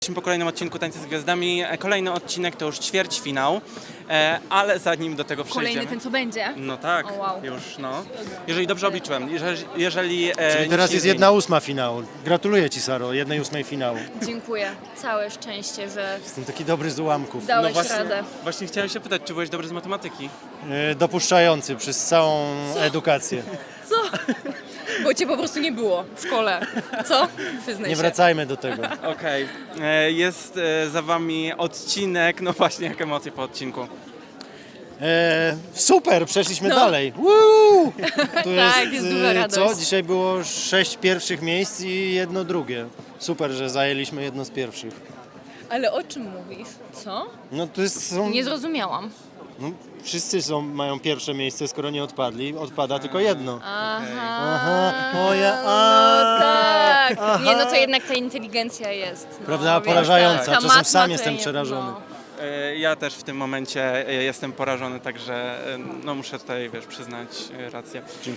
Jesteśmy po kolejnym odcinku Tańce z Gwiazdami. Kolejny odcinek to już ćwierćfinał, ale zanim do tego przejdziemy... Kolejny ten, co będzie? No tak, O, wow. już no. Jeżeli dobrze obliczyłem, jeżeli Czyli teraz jest 1/8 finału. Gratuluję Ci, Saro, 1/8 finału. Dziękuję. Całe szczęście, że Jestem taki dobry z ułamków. dałeś właśnie, radę. właśnie chciałem się pytać, czy byłeś dobry z matematyki? Dopuszczający przez całą edukację. Co? Bo cię po prostu nie było w szkole. Co? Wyznaj Nie się. wracajmy do tego. Okej. Jest za wami odcinek, no właśnie, jak emocje po odcinku. Super, przeszliśmy No. dalej. Woo! Tu Tak, jest duża radość. Co? Dzisiaj było 6 pierwszych miejsc i 1 drugie. Super, że zajęliśmy jedno z pierwszych. Ale o czym mówisz? Co? No to są... Nie zrozumiałam. No, wszyscy mają pierwsze miejsce, skoro nie odpadli. Odpada tylko jedno. Aha. Moja... No tak. Nie, no to jednak ta inteligencja jest. No, Prawda? wiesz, Porażająca. ta Czasem matma sam to jestem nie- przerażony. no. Ja też w tym momencie jestem porażony, także no muszę tutaj, wiesz, przyznać rację.